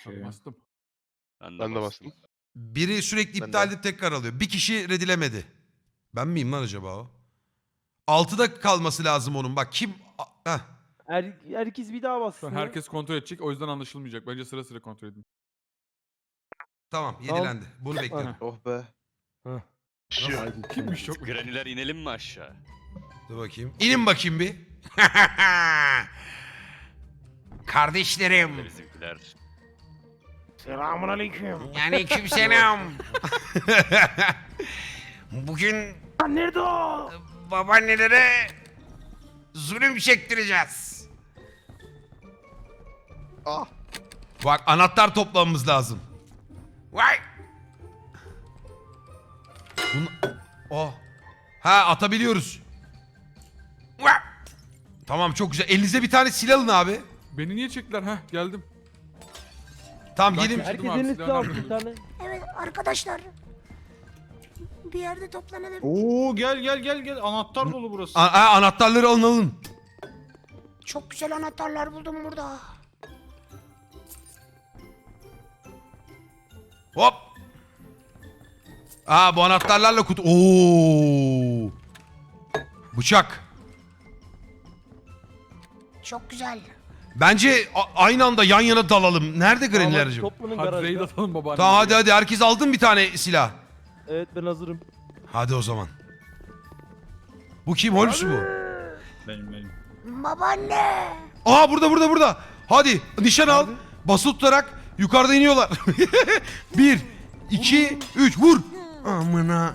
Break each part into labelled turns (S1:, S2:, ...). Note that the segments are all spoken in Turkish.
S1: Hadi bastım.
S2: Ben de bastım.
S3: Biri sürekli
S2: Ben
S3: iptal
S2: de.
S3: edip tekrar alıyor. Bir kişi redilemedi. Ben miyim lan acaba o? 6'da kalması lazım onun. Bak kim... Heh.
S4: Herkes bir daha
S1: Şu
S4: bassın.
S1: an herkes kontrol edecek. O yüzden anlaşılmayacak. Bence sıra sıra kontrol edin.
S3: Tamam
S4: Tamam.
S3: yedilendi. Bunu bekliyorum.
S2: Oh be. Şu.
S1: Kimmiş çok?
S5: Graniler inelim mi aşağı?
S3: Dur bakayım. İnin bakayım bir. Kardeşlerim.
S5: Bizimkiler.
S4: Selamun aleyküm.
S3: Aleykümselam. Bugün
S4: Nerede o?
S3: babaannelere zulüm çektireceğiz.
S2: Ah.
S3: Bak anahtar toplamamız lazım. Vay. Oh. Ha atabiliyoruz. Vay. Tamam çok güzel. Elinize bir tane silah alın abi.
S1: Beni niye çektiler? Heh geldim.
S3: Tamam
S1: Ben
S3: gelin.
S1: kaçırdım
S4: Herkes
S1: abi,
S4: elini
S1: silahını
S4: aldı bir
S1: aldım.
S4: tane.
S6: Evet arkadaşlar. Bir yerde toplanalım.
S7: Oo gel anahtar dolu burası.
S3: Anahtarları alın.
S6: Çok güzel anahtarlar buldum burada.
S3: Hop. Bu anahtarlarla kutu. Oo. Bıçak.
S6: Çok güzel.
S3: Bence aynı anda yan yana dalalım. Nerede Granny'ler
S4: Tamam,
S3: acaba?
S4: Toplanın
S1: Hadi raid
S4: garajda.
S1: atalım babaanne.
S3: Tamam hadi herkes aldın bir tane silah.
S4: Evet ben hazırım.
S3: Hadi o zaman. Bu kim? Holmes mu?
S7: Benim.
S6: Babaanne.
S3: Burada. Hadi nişan al. Basılı tutarak yukarıda iniyorlar. 1, 2, 3 vur. Amına.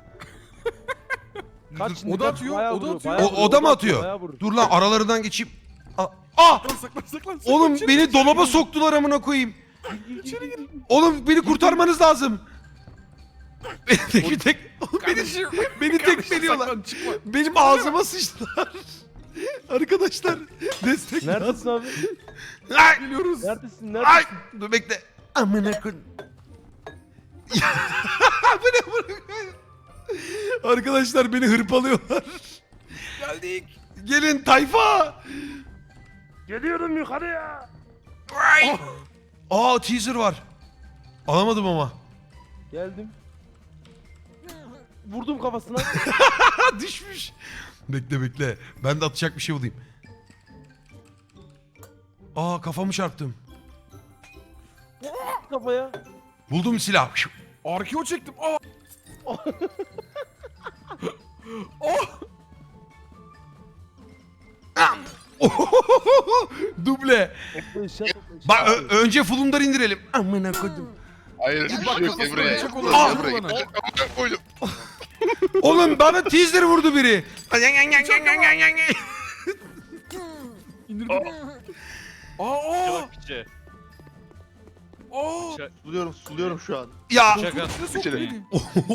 S4: Kaç
S1: O da atıyor,
S4: bayağı
S1: o da
S4: vuruyor,
S1: atıyor.
S4: bayağı
S3: O
S4: vuruyor,
S3: da mı
S4: bayağı
S3: atıyor?
S4: vuruyor.
S3: Dur lan aralarından geçeyim.
S1: Saklan.
S3: Oğlum beni dolaba soktular amına koyayım. Oğlum beni kurtarmanız lazım. Beni tekmeliyorlar. Benim ağzıma sıçtılar. Arkadaşlar destek
S4: Neredesin abi?
S3: Ay,
S1: Geliyoruz.
S4: Neredesin?
S3: ay.
S4: Neredesin?
S3: Dur bekle. Amına koyayım. Bu ne? Arkadaşlar beni hırpalıyorlar.
S1: Geldik.
S3: Gelin tayfa.
S4: Geliyorum yukarıya.
S3: Ay. Teaser var. Alamadım ama.
S4: Geldim. Vurdum kafasına.
S3: Düşmüş. Bekle. Ben de atacak bir şey bulayım. Kafamı çarptım.
S4: Kafaya.
S3: Buldum silah.
S1: Arkeo çektim.
S3: Duble.
S4: Topla eşya topla eşya.
S3: Bak önce fulunları indirelim. Amına koydum.
S2: Hayır.
S1: Bak
S2: Şu
S1: kafasına
S2: buraya.
S1: bıçak
S2: Gel
S1: olur.
S3: Ah!
S2: buraya.
S1: Bana.
S2: Amına koydum.
S3: Oğlum bana teaser vurdu biri.
S1: İndirdim.
S5: Piçe bak piçe.
S2: Suluyorum şu an.
S3: Ya.
S5: Şaka.
S1: İçine soktu
S2: İçeri.
S1: beni.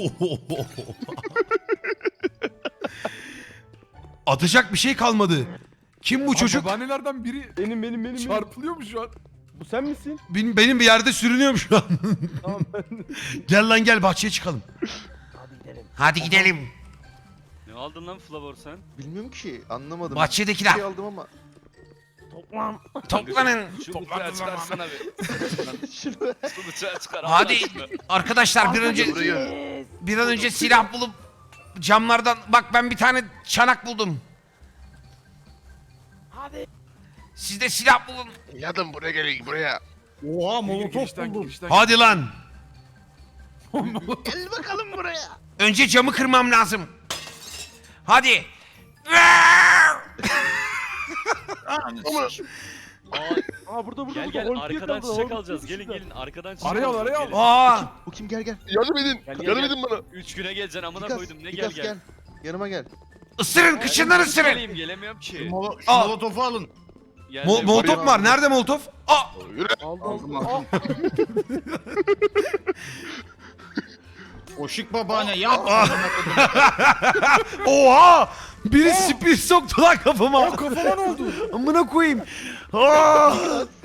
S3: Atacak bir şey kalmadı. Kim bu çocuk?
S1: Babaannelerden biri
S4: Benim.
S1: çarpılıyor mu şu an?
S4: Bu sen misin?
S3: Benim bir yerde sürünüyorum şu an.
S4: Tamam ben.
S3: Gel lan gel bahçeye çıkalım.
S4: Hadi gidelim.
S3: Hadi gidelim.
S5: Ne aldın lan Flavor sen?
S2: Bilmiyorum ki. Anlamadım.
S3: Bahçedekiler.
S2: Bir şey aldım ama.
S4: Toplan.
S3: Toplanın.
S5: Şu bıçağı çıkarsana bir.
S2: Şunu.
S5: Şu bıçağı çıkar.
S3: Hadi
S5: Allah aşkına.
S3: arkadaşlar
S2: Buraya.
S3: bir an önce silah bulup camlardan bak ben bir tane çanak buldum.
S4: Hadi.
S3: Siz de silah bulun.
S2: Yadım buraya gelin buraya.
S7: Oha molotof
S1: Girişten,
S7: buldum.
S1: girişten.
S3: Hadi lan.
S2: Gel bakalım buraya.
S3: Önce camı kırmam lazım. Hadi.
S2: Amına.
S4: Aa burada.
S5: Gel
S4: Holmes
S5: arkadan
S4: yakaladı,
S5: çiçek
S4: Holmes
S5: alacağız. Gelin
S4: yakaladı.
S5: gelin arkadan çiçek
S1: Araya al,
S5: alacağız,
S1: araya al.
S5: gelin.
S3: Aa.
S2: Bu kim gel. Yardım edin.
S5: Gel,
S2: Yardım
S5: gel.
S2: edin bana.
S5: 3 güne geleceksin amına
S2: Gigas,
S5: koydum ne
S2: Gigas
S5: gel.
S2: Yanıma gel.
S3: Isırın kışından ısırın.
S5: Geleyim gelemiyorum ki.
S7: Şu
S3: Al.
S7: molotofu alın.
S5: Geldim.
S3: Molotof var. Nerede molotof?
S2: Yürü.
S4: Aldım.
S7: Aldım. Oşik babaanne yap.
S3: Oha! Biri spir soktu lan kafama.
S1: Kafama ne oldu?
S3: Amına koyayım. Aa!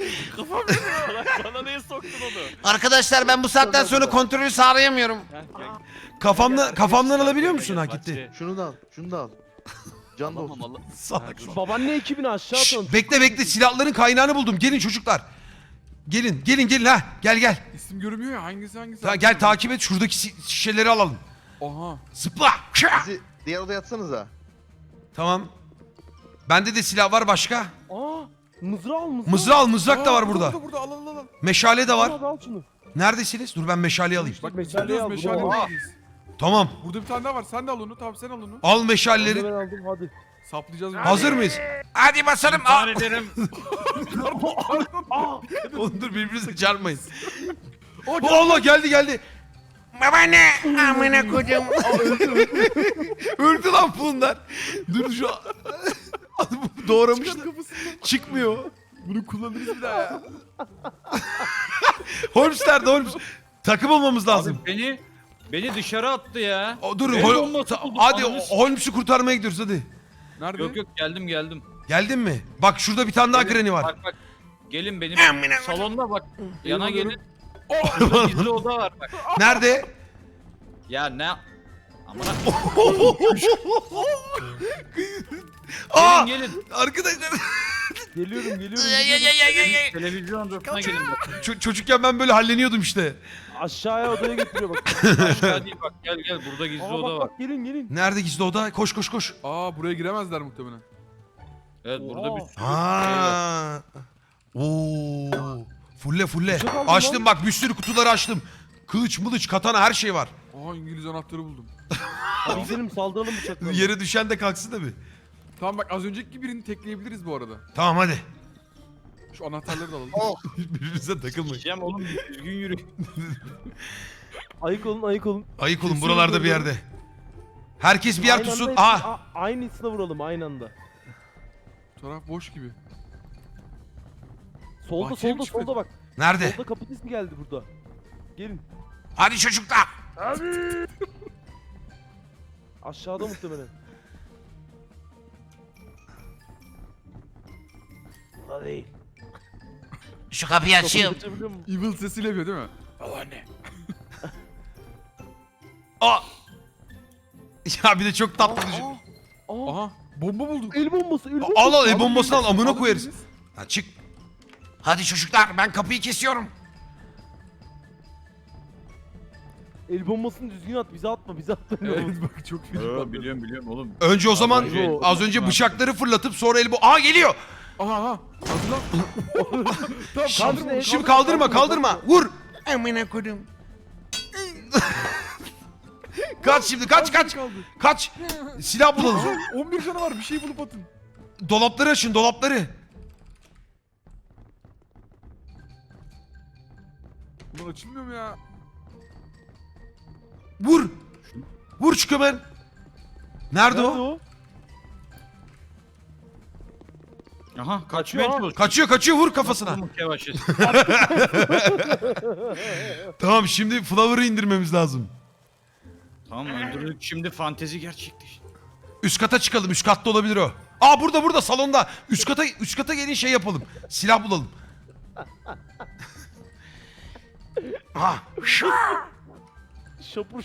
S5: Bana niye soktun onu?
S3: Arkadaşlar ben bu saatten sonra kontrolü sağlayamıyorum.
S5: Gel.
S3: Kafamdan alabiliyor musun?
S5: Gel,
S3: Ha gitti.
S2: Şunu da al. Can da
S5: Tamam
S2: olsun.
S5: Allah.
S3: Salak.
S4: Babaanne ekibini aşağı
S3: Şşş,
S4: atalım.
S3: bekle silahların kaynağını buldum. Gelin çocuklar. Gelin ha. Gel.
S1: İsim görünmüyor ya hangisi.
S3: Gel takip et. Şuradaki şişeleri alalım.
S1: Oha.
S3: Zıpla.
S2: Bizi diğer odaya atsanıza.
S3: Tamam. Bende de silah var başka.
S4: Aa, mızrağı al mızrağı.
S3: Mızrak al, mızrak da var burada.
S1: Burada al.
S3: Meşale de var.
S4: Al şunu.
S3: Neredesiniz? Dur ben meşaleyi alayım.
S1: Bak
S4: Meşaleyi al,
S1: meşale
S4: bunu al.
S1: meşale.
S3: Tamam.
S1: Burada bir tane daha var. Sen de al onu. Tamam sen al onu.
S3: Al
S4: Ben
S3: meşaleleri.
S4: aldım hadi.
S1: Saplayacağız.
S3: Hazır mıyız?
S6: Hadi basalım.
S7: İntihar ederim.
S3: Oğlum dur birbirinize çarpmayın.
S1: O
S3: Allah geldi.
S6: Babaanne. Amına koydum.
S3: Öldü lan bunlar. Dur şu an. Doğramışlar. Çıkmıyor.
S1: Bunu kullanırız bir daha ya.
S3: Holmes nerede Holmes? Takım olmamız lazım.
S7: Beni dışarı attı ya.
S3: Dur
S7: El bombası buldum,
S3: hadi
S7: ananı
S3: Holmes'u kurtarmaya gidiyoruz hadi.
S1: Nerede?
S7: Yok geldim.
S3: Geldin mi? Bak şurada bir tane daha Granny var.
S7: Bak. Gelin benim
S6: Amına
S7: salonda bak. Yana
S1: Geliyorum.
S7: gelin. Burada gizli oda var bak.
S3: Nerede?
S7: Ya ne? Amına
S3: Aa!
S7: gelin.
S3: Arkadaşlar
S4: Geliyorum.
S7: Televizyon odasına gelin bak.
S3: çocukken ben böyle halleniyordum işte.
S4: Aşağıya odaya götürüyor bak.
S7: Aşağı değil bak gel burada gizli
S4: Aa,
S7: oda
S4: bak
S7: var.
S4: bak gelin.
S3: Nerede gizli oda? Koş.
S1: Aa buraya giremezler muhtemelen.
S7: Evet burada bir
S4: Oha.
S7: sürü şey var.
S3: Ha. Oo. Fulle.
S4: Çok aldım
S3: Açtım
S4: lan.
S3: bak bir sürü kutuları açtım. Kılıç, mılıç, katana her şey var.
S1: Aa İngiliz anahtarı buldum.
S4: Hadi gidelim saldıralım bıçaklarla.
S3: Yere düşen de kalksın tabii.
S1: Tamam bak az önceki birini tekleyebiliriz bu arada.
S3: Tamam hadi.
S1: Şu anahtarları da alalım.
S3: Birbirinize takılmayın.
S7: Diyeceğim oğlum düzgün yürü.
S4: Ayık olun.
S3: Ayık olun
S1: Kesin
S3: buralarda bir
S1: öldürdüm.
S3: yerde. Herkes bir yer
S4: Aynı
S3: tutsun.
S4: anda
S3: Aha.
S4: hepsini- aynısına vuralım aynı anda.
S1: Bu taraf boş gibi.
S4: Solda
S1: Bahçeye mi çıkıyor?
S4: bak.
S3: Nerede?
S4: Solda kapı sesi geldi burada. Gelin.
S6: Hadi çocuklar.
S4: Aşağıda muhtemelen. Burada değil.
S6: Şu kapıyı
S4: Kapıyı
S6: açayım.
S4: açabiliyor musun?
S1: Evil sesiyle yapıyor değil mi?
S6: Babaanne.
S3: Aa. Ya bir de çok tatlı düşün.
S4: Aa,
S1: Aha bomba bulduk.
S4: el bombası.
S3: Al el bombasını al amına
S1: Alın
S3: koyarız.
S1: biriniz.
S3: Ha çık.
S6: Hadi çocuklar ben kapıyı kesiyorum.
S4: El bombasını düzgün at. Bize atma.
S1: Evet bak çok feci patladı.
S7: Biliyorum oğlum.
S3: Önce o zaman
S4: Yo.
S3: az önce bıçakları fırlatıp sonra Aa geliyor.
S1: Aha. Hazırlan. Tamam kaldırma. onu,
S3: Şimdi kaldırma. Vur.
S6: Amına koydum.
S3: Kaç şimdi kaç.
S1: Kaldı.
S3: Kaç. Silah bulalım.
S1: 11 canı var bir şey bulup atın.
S3: Dolapları açın dolapları.
S1: Ulan açılmıyor mu ya?
S3: Vur şu kömen. Nerede o?
S7: Aha kaçmaya
S4: Kaçıyor.
S7: çalışıyor.
S3: Kaçıyor vur kafasına.
S7: Yamuk yavaş et.
S3: Tamam şimdi Flower'ı indirmemiz lazım.
S7: Tamam öldürdük şimdi fantezi gerçekleşti.
S3: Üst kata çıkalım. Üst katta olabilir o. Aa burada salonda. Üst kata gelin şey yapalım. Silah bulalım. Ha.
S4: Şapur.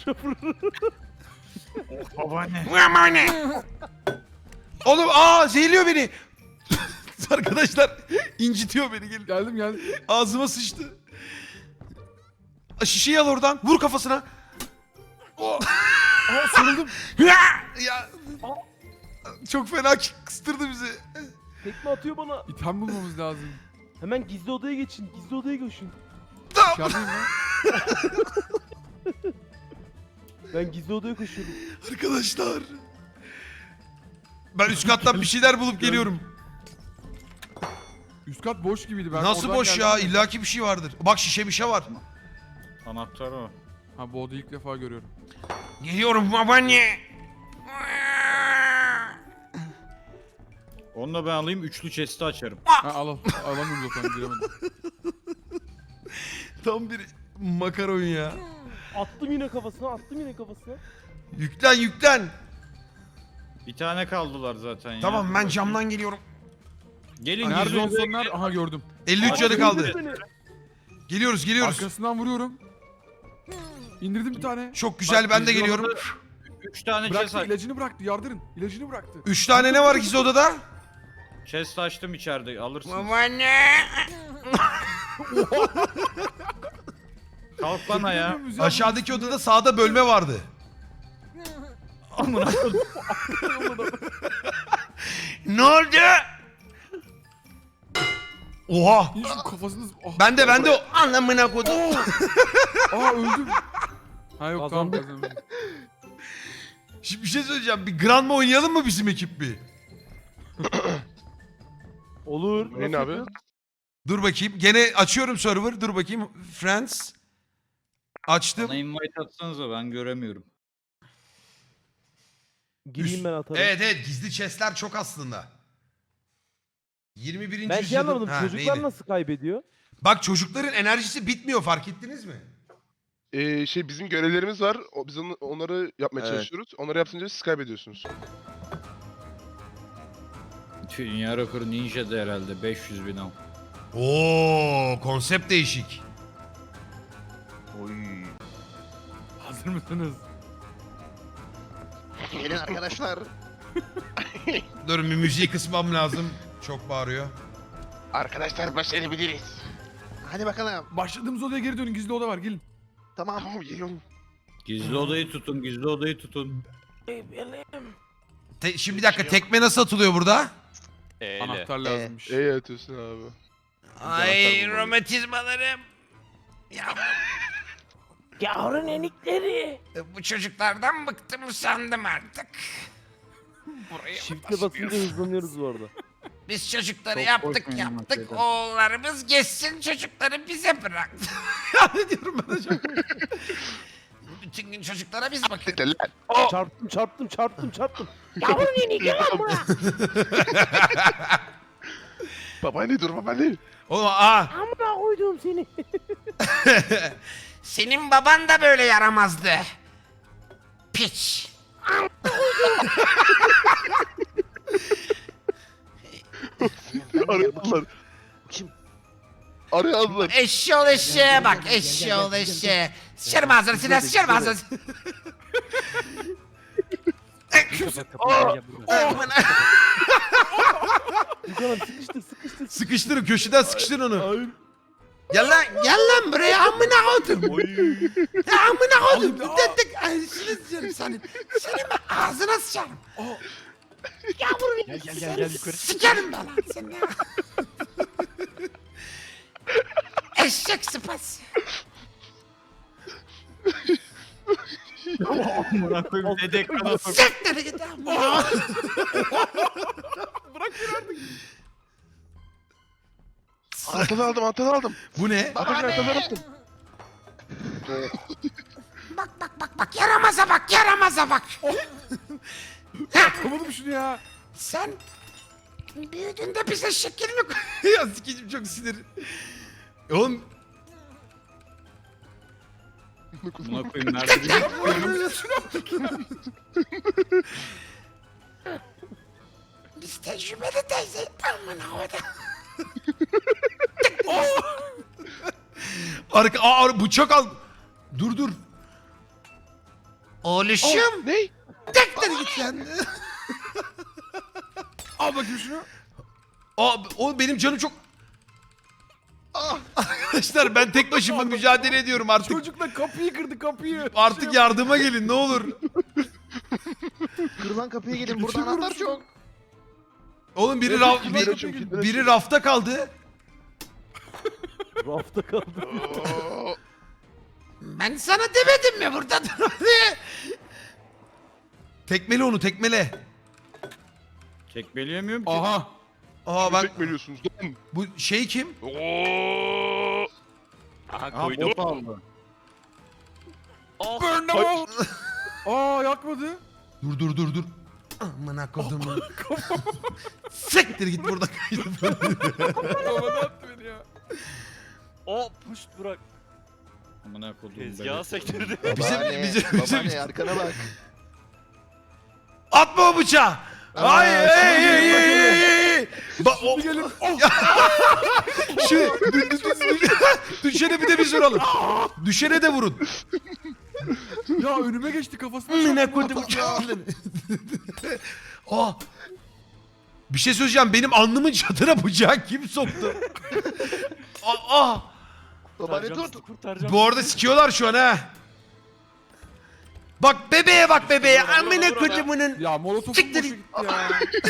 S7: Babaanne.
S6: Babaanne.
S3: Oğlum zehirliyor beni. Arkadaşlar incitiyor beni gelin.
S1: Geldim.
S3: Ağzıma sıçtı. Şişeyi al oradan. Vur kafasına.
S1: Sarıldım.
S3: Ya. Çok fena kıstırdı bizi.
S4: Tekme atıyor bana.
S1: İtem bulmamız lazım.
S4: Hemen gizli odaya geçin. Gizli odaya geçin.
S1: İçerideyim ya.
S4: Ben gizli odaya koşuyorum.
S3: Arkadaşlar. Ben üst kattan bir şeyler bulup geliyorum.
S1: Üst kat boş gibiydi. Ben
S3: Nasıl
S1: oradan
S3: boş
S1: geldim
S3: ya?
S1: de.
S3: İllaki bir şey vardır. Bak bir şey var.
S7: Anahtar o.
S1: Ha bu odayı ilk defa görüyorum.
S6: Geliyorum babaanne.
S7: Onu da ben alayım üçlü chest'i açarım.
S1: Ha al. Alamıyorum zaten giremedim.
S3: Tam bir makaron ya.
S4: Attım yine kafasına.
S3: Yüklen.
S7: Bir tane kaldılar zaten ya.
S3: Tamam ben camdan geliyorum.
S7: Gelin
S1: Nerede
S7: gizli
S1: en
S7: odaya
S1: sonlar? Aha gördüm.
S3: 53 canı kaldı.
S4: Beni.
S3: Geliyoruz.
S1: Arkasından vuruyorum. İndirdim bir tane.
S3: Çok güzel ben de
S7: gizli
S3: geliyorum.
S7: odada 3 tane chest,
S1: Bıraktı ilacını bıraktı yardırın. İlacını bıraktı.
S3: 3 tane ne var gizli odada?
S7: chest açtım içeride alırsın.
S6: Babaanne.
S7: Kalk lan ayağa.
S3: Aşağıdaki odada sağda bölme vardı.
S7: Amına koydum.
S3: Ne oldu? Oha.
S1: İyi şu kafasını... Oh.
S3: Ben de o anlamına koydum.
S1: Aa öldüm. Ha yok tamam
S4: Kazandık.
S1: kazandım.
S3: Şimdi bir şey söyleyeceğim. Bir Granma oynayalım mı bizim ekip bir?
S4: Olur.
S8: Ne
S4: Nasıl
S8: abi?
S4: yapıyorsun?
S3: Dur bakayım. Gene açıyorum server. Dur bakayım. Friends. Açtım.
S7: Bana invite atsanıza ben göremiyorum.
S4: Gireyim ben atarım.
S3: Evet gizli chestler çok aslında. 21.
S4: Ben şey
S3: yüzyılın-
S4: anlamadım.
S3: Ha,
S4: Çocuklar
S3: neydi?
S4: nasıl kaybediyor?
S3: Bak çocukların enerjisi bitmiyor, fark ettiniz mi?
S8: Bizim görevlerimiz var. Biz onları yapmaya
S2: Evet.
S8: çalışıyoruz. Onları yapınca siz kaybediyorsunuz.
S7: Dünya rekoru Ninja'da herhalde 500 bin al.
S3: Oo, konsept değişik.
S2: Oy.
S1: Hazır mısınız?
S2: Gelin arkadaşlar.
S3: Dur bir müziği kısmam lazım. Çok bağırıyor.
S8: Arkadaşlar başarabiliriz.
S2: Hadi bakalım.
S1: Başladığımız odaya geri dönün. Gizli oda var gelin.
S2: Tamam.
S8: Tamam geliyorum.
S7: Gizli odayı tutun, gizli odayı tutun.
S3: Şimdi bir dakika, tekme nasıl atılıyor burada?
S5: Eyle.
S1: Anahtar lazımmış.
S8: İyi atıyorsun abi.
S3: Ay romatizmalarım.
S6: Yavrum enikleri.
S3: Bu çocuklardan bıktım sandım artık.
S4: Shift'e basınca hızlanıyoruz bu arada.
S3: Biz çocukları
S7: Çok
S3: yaptık
S7: korkmayın
S3: yaptık.
S7: şeyden.
S3: Oğullarımız geçsin, çocukları bize bıraktı. Ya ne diyorum ben hocam? Bütün gün çocuklara biz bakıyoruz.
S8: Siktir lan.
S4: Çarptım.
S6: Yavrum enik gel lan buraya.
S8: Babaanne dur babaanne.
S3: Oğlum
S6: Amına koydum seni.
S3: senin baban da böyle yaramazdı. Piç.
S8: Arıyorlar.
S2: Kim?
S8: Arıyorlar.
S3: Eşşoğlu eşeğe bak, eşşoğlu eşeğe. Sıçarım ağzını, Sinan, sıçarım ağzını. Amına.
S4: Yukarı sıkıştır.
S3: Sıkıştırın, köşeden sıkıştırın onu. Gel lan buraya, amına koydum. Ya amına koydum. Dedik, ağzını sıçarım senin. Senin ağzına sıçarım.
S6: Yavrum
S1: Gel
S6: enik.
S1: yukarı.
S3: Sıçarım ben lan seni. Eşek sıpası.
S7: Amına koyayım dedek kadar.
S3: Siktir git amına.
S8: Anahtarı aldım.
S3: Bu ne?
S8: Anahtarı aldım.
S3: Bak yaramaza bak.
S1: Yapamadım şunu ya.
S3: Sen büyüdüğünde bize şekil mi koy? Ya sikicim çok sinir. Oğlum.
S7: Amına koyayım nerede?
S3: Biz tecrübeli teyze. Amına koyda. Bıçak al. Dur. Oğluşum.
S8: Ne?
S3: Tekrar git sen.
S1: Al bakayım şunu.
S3: O benim canım çok... Arkadaşlar ben tek başıma mücadele ediyorum artık.
S1: Çocukla kapıyı kırdı kapıyı.
S3: Artık yardıma gelin ne olur.
S2: Kırılan kapıya gelin. Burada anahtar çok.
S3: Oğlum biri rafta kaldı.
S4: Rafta kaldı.
S8: Oo,
S3: Ben sana demedim mi burada dur diye. Tekmele onu, tekmele.
S7: Çekmeleyemiyorum ki.
S1: Aha.
S3: Ben
S8: Tekmeliyorsunuz. Lan.
S3: bu şey kim?
S8: Oo.
S5: Aha
S7: Aha
S5: koydum.
S7: bot aldı.
S1: Burn them all. Aa yakmadı.
S3: Dur. Amına kodumu. Siktir git burada.
S1: Havada attı beni ya.
S5: O puşt bırak.
S7: Amına koyduğum
S5: Tezgahı
S7: bebek.
S5: sektirdi.
S2: Babaanne arkana bak.
S3: Atma o bıçağı. Ay.
S1: Gelin.
S3: Düşene bir de biz vuralım. Düşene de vurun.
S1: Ya önüme geçti kafasına.
S3: Amına
S1: çarptı.
S3: koydum. Bir şey söyleyeceğim. Benim alnımın çatına bıçağı kim soktu? Aa!
S2: Babaanne
S5: Kurtaracağım
S2: dur.
S5: sizi, kurtaracağım.
S3: Bu arada sikiyorlar şu an ha. Bak bebeğe bak bebeğe.
S5: Vur ona,
S3: Amına
S5: vur ona.
S3: kodumunun.
S1: Ya molotofum
S3: Siktir.
S1: boşa gitti ya.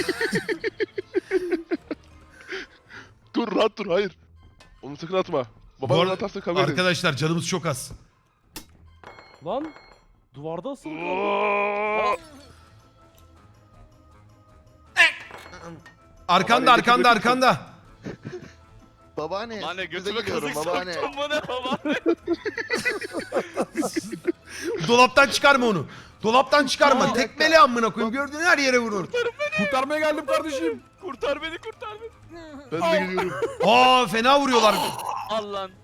S8: Dur rahat dur hayır. Onu sakın atma.
S3: Bu
S8: Baban
S3: arada-
S8: atarsa kavga ederiz.
S3: Arkadaşlar canımız çok az.
S4: Lan duvarda asılı.
S8: Oo!
S3: Arkanda
S8: Babaanne,
S3: arkanda
S8: götür,
S3: arkanda.
S2: Babaanne.
S5: Babaanne
S2: üstünüze
S5: götüme
S2: geliyorum
S5: kazık
S2: babaanne.
S5: soktun bu ne babaanne?
S3: Dolaptan çıkarma onu. Dolaptan çıkarma.
S2: Aa,
S3: Tekmeli amına koyayım. Gördüğün her yere vurur.
S1: Kurtarmaya geldim kardeşim.
S5: Kurtar beni kurtar beni.
S8: Ben de geliyorum.
S3: Aa fena vuruyorlar.
S5: Al lan.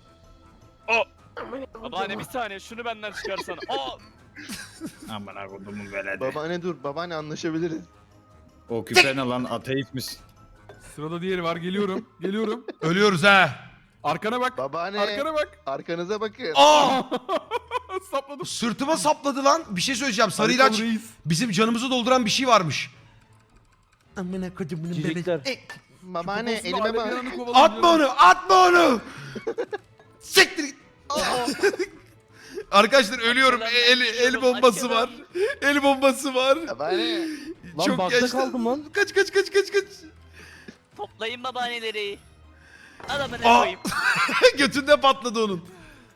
S5: Babaanne bir saniye şunu benden çıkarsana. Aa!
S7: Aman akodumun veledi.
S2: Babaanne dur. Babaanne anlaşabiliriz.
S7: O küpe ne lan ateist misin?
S1: Sırada diğeri var. Geliyorum. Geliyorum.
S3: Ölüyoruz ha.
S1: Arkana bak.
S2: Babaanne.
S1: Arkana bak.
S2: Arkanıza bakın.
S3: Aa!
S1: Sapladım.
S3: Sırtıma sapladı lan. Bir şey söyleyeceğim. Sarı
S1: Harika
S3: ilaç
S1: reis.
S3: bizim canımızı dolduran bir şey varmış. Amına kodumunun
S4: Cicikler.
S2: Babaanne
S1: Kafasına
S2: elime
S1: alev
S2: bak.
S1: yanını kovalayacağım.
S3: Atma onu, atma onu. Siktir git. Arkadaşlar ölüyorum. El bombası var. El bombası var.
S2: Babaanne.
S4: Lan
S3: Çok
S4: bakta
S3: yaşlı.
S4: kaldım lan.
S3: Kaç.
S5: Toplayın babaanneleri. Adamına
S3: Aa!
S5: koyayım.
S3: Götünde patladı onun.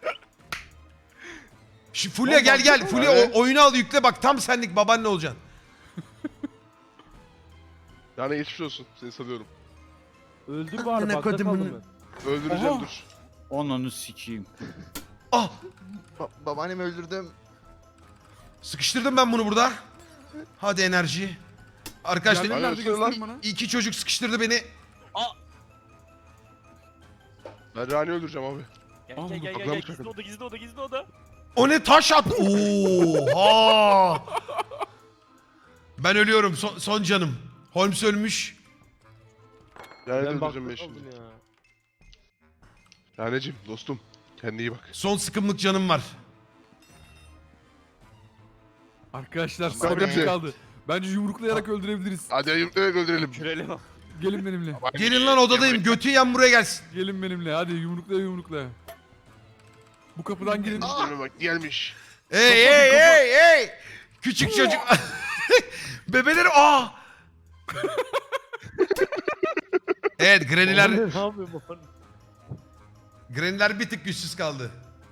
S3: Şu Fulya
S4: Lan
S3: gel gel.
S4: baksana.
S3: Fulya oyunu al yükle bak tam senlik babaanne olacaksın.
S8: Yani geçmiş olsun. Seni salıyorum.
S4: Öldür bari
S3: Amına
S4: bakta
S3: kodumun-
S4: kaldım ben.
S8: Öldüreceğim
S1: Aha.
S8: dur.
S7: Onunu sikeyim.
S3: Ah
S2: Babaannemi öldürdüm.
S3: sıkıştırdım ben bunu burada. Hadi enerji. Arkadaşlar
S1: Yerleri nerede
S8: Aynen,
S1: gösterin bana.
S3: iki çocuk sıkıştırdı beni.
S8: Ben Rani öldüreceğim abi.
S5: Gel gel gel
S8: Bakalım
S5: gel.
S8: çakın.
S5: Gizli oda gizli oda gizli oda.
S3: O ne taş at. Oha. Ben ölüyorum son canım. Holmes ölmüş.
S8: Yani
S4: Ben bakta
S8: öldüreceğim ben
S4: kaldım
S8: şimdi.
S4: ya.
S8: Raneciğim dostum. Kendine iyi bak.
S3: Son sıkımlık canım var.
S1: Arkadaşlar
S8: Ben
S1: son bir
S8: de-
S1: kaldı. Bence yumruklayarak öldürebiliriz.
S8: Hadi evet öldürelim.
S5: Kürelim.
S1: Gelin benimle.
S3: Gelin lan odadayım. Götü yan buraya gelsin.
S1: Gelin benimle. Hadi yumruklaya. Bu kapıdan girin.
S8: Gelme bak gelmiş.
S3: Hey. Küçük çocuk. Bebeleri Evet
S4: Babaanne
S3: Granny'ler
S4: ne yapıyor babaanne?
S3: Granny'ler bir tık güçsüz kaldı.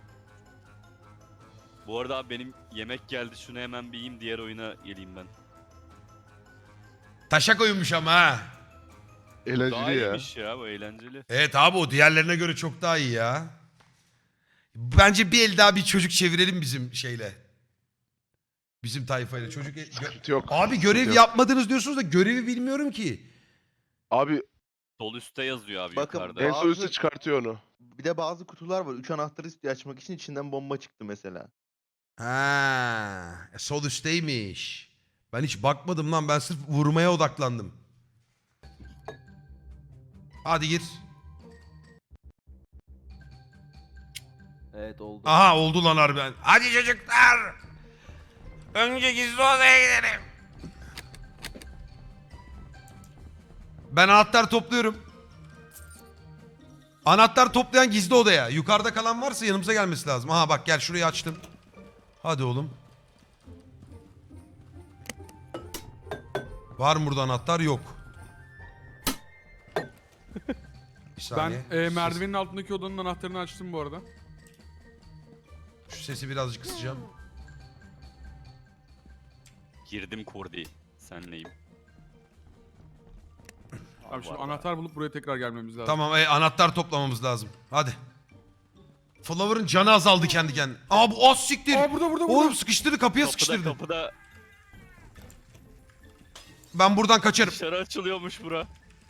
S5: Bu arada abi benim yemek geldi. Şunu hemen bir yiyeyim diğer oyuna geleyim ben.
S3: Taşak oyunmuş ama ha.
S5: Daha
S8: Eğlenceli ya.
S5: iyiymiş ya bu eğlenceli.
S3: Evet abi o diğerlerine göre çok daha iyi ya. Bence bir el daha bir çocuk çevirelim bizim şeyle. Bizim tayfayla çocuk.
S8: Sıkıntı yok.
S3: Abi görev
S8: Sıkıntı yok.
S3: yapmadınız diyorsunuz da görevi bilmiyorum ki.
S8: Abi
S5: Sol üstte yazıyor abi
S2: Bakın,
S5: yukarıda.
S8: en
S2: Bazı-
S8: son üstte çıkartıyor onu.
S2: Bir de bazı kutular var. 3 anahtarı istiyor açmak için içinden bomba çıktı mesela.
S3: Ha, sol üstteymiş. Ben hiç bakmadım lan ben sırf vurmaya odaklandım. Hadi gir.
S4: Evet oldu.
S3: Aha oldu lan harbiden. Hadi çocuklar. Önce gizli odaya gidelim. Ben anahtar topluyorum. Anahtar toplayan gizli odaya. Yukarıda kalan varsa yanımıza gelmesi lazım. Aha bak gel şurayı açtım. Hadi oğlum. Var mı burada anahtar? Yok. Bir saniye.
S1: Ben merdivenin altındaki odanın anahtarını açtım bu arada.
S3: Şu sesi birazcık kısacağım.
S5: Girdim Kordi. Senleyim.
S1: Abi şimdi anahtar bulup buraya tekrar gelmemiz lazım.
S3: Tamam anahtar toplamamız lazım. Hadi. Flower'ın canı azaldı kendi kendine. Aa bu az siktir.
S1: Aa burada.
S3: Oğlum sıkıştırdı kapıya
S5: Kapıda
S3: sıkıştırdı.
S5: kapıda
S3: Ben buradan kaçarım.
S5: dışarı açılıyormuş bura.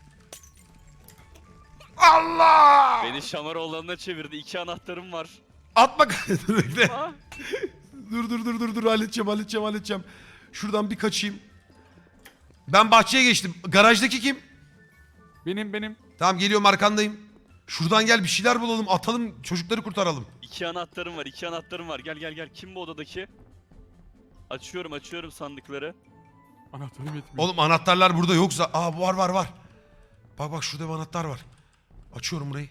S3: Allah!
S5: Beni Şamaroğlan'ına çevirdi. 2 anahtarım var.
S3: Atma dur bekle.
S5: Aa,
S3: Dur halledeceğim. Şuradan bir kaçayım. Ben bahçeye geçtim. Garajdaki kim?
S1: Benim.
S3: Tamam geliyorum arkandayım. Şuradan gel bir şeyler bulalım atalım çocukları kurtaralım.
S5: 2 anahtarım var. 2 anahtarım var. Gel. Kim bu odadaki? Açıyorum sandıkları.
S1: Anahtarım yetmiyor.
S3: Oğlum anahtarlar burada yoksa. Aa var. Bak şurada bir anahtar var. Açıyorum burayı.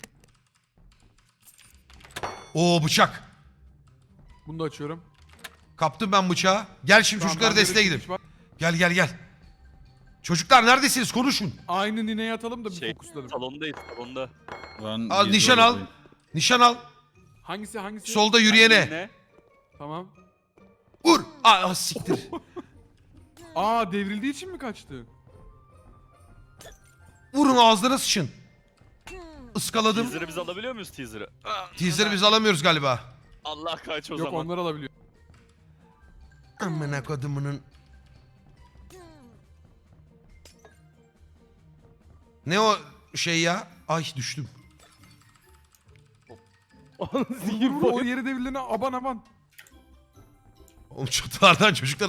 S3: Oo bıçak.
S1: Bunu da açıyorum.
S3: Kaptım ben bıçağı. Gel şimdi
S1: Tamam,
S3: çocuklara
S1: bende de
S3: desteğe gidin.
S1: çıkmış var.
S3: Gel. Çocuklar neredesiniz? Konuşun.
S1: Aynı nineye atalım da bir
S5: Şey,
S1: fokuslanalım.
S5: salondayız salonda.
S7: Ben
S3: Al
S7: gizli
S3: nişan al.
S7: odadayım.
S3: Nişan al.
S1: Hangisi?
S3: Solda yürüyene.
S5: Ne?
S1: Tamam.
S3: Vur. Aa siktir.
S1: Aa devrildiği için mi kaçtı?
S3: Vurun ağzına sıçın. Iskaladım.
S5: Teaser'ı biz alabiliyor muyuz teaser'ı?
S3: Teaser'ı biz alamıyoruz galiba.
S5: Allah kaç o
S1: Yok
S5: zaman.
S1: onlar alabiliyor.
S3: Amına kodumunun. Ne o şey ya? Ay düştüm.
S4: Zehir
S1: Vur, o
S4: boyu.
S1: yeri devrilene aban.
S3: Oğlum çatılardan çocuklar...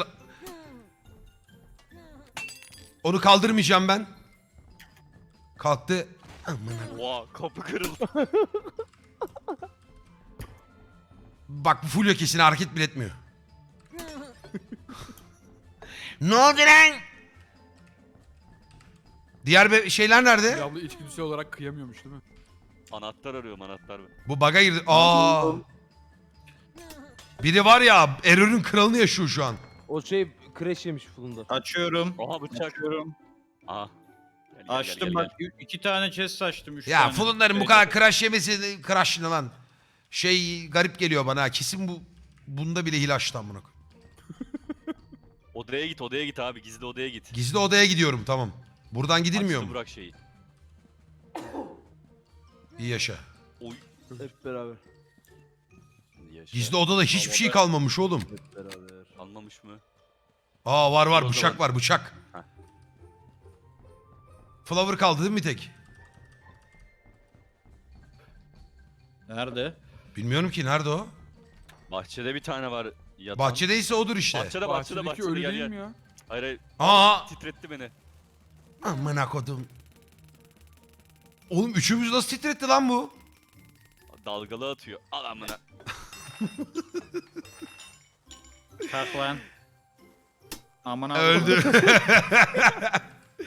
S3: Onu kaldırmayacağım ben. Kalktı. Amına.
S5: Oha kapı kırıldı.
S3: Bak bu full kesin hareket bile etmiyor. Ne oldu lan? Diğer şeyler nerede?
S1: Diablo içgüdüsel olarak kıyamıyormuş değil mi?
S5: Anahtar arıyorum anahtar.
S3: Bu bug'a girdi. Aa. Biri var ya error'ün kralını yaşıyor şu an.
S4: O şey crash yemiş fulunda.
S7: Açıyorum.
S5: Oha bıçak.
S7: Açıyorum.
S5: Aha. Gel,
S7: Açtım bak 2 tane chest açtım 3
S3: Ya
S7: tane.
S3: Fulunların bu kadar crash yemesi crash ne lan? Şey garip geliyor bana. Kesin bunda bile hile açtı amına koyayım.
S5: Odaya git abi gizli odaya git.
S3: Gizli odaya gidiyorum tamam. Buradan gidilmiyor
S5: Açtı
S3: mu?
S5: Burak şeyi.
S3: İyi yaşa.
S5: Oy.
S4: Hep beraber.
S5: Yaşa.
S3: Gizli odada hiçbir şey
S5: Odada-
S3: kalmamış oğlum.
S4: Hep beraber.
S5: Almamış mı?
S3: Aa var
S5: Orada
S3: bıçak var bıçak.
S5: Heh.
S3: Flower kaldı değil mi bir tek?
S7: Nerede?
S3: Bilmiyorum ki nerede o?
S5: Bahçede bir tane var yatan.
S3: Bahçedeyse odur işte.
S5: Bahçede
S1: Bahçedeki ölü
S5: gel
S1: değil
S5: gel.
S1: mi ya?
S5: Hayır.
S3: Aa!
S5: Titretti beni.
S3: Amına kodum. Oğlum üçümüz nasıl titretti lan bu?
S5: Dalgalı atıyor. Al amına.
S7: Kalk lan. Aman abi.
S3: Öldü.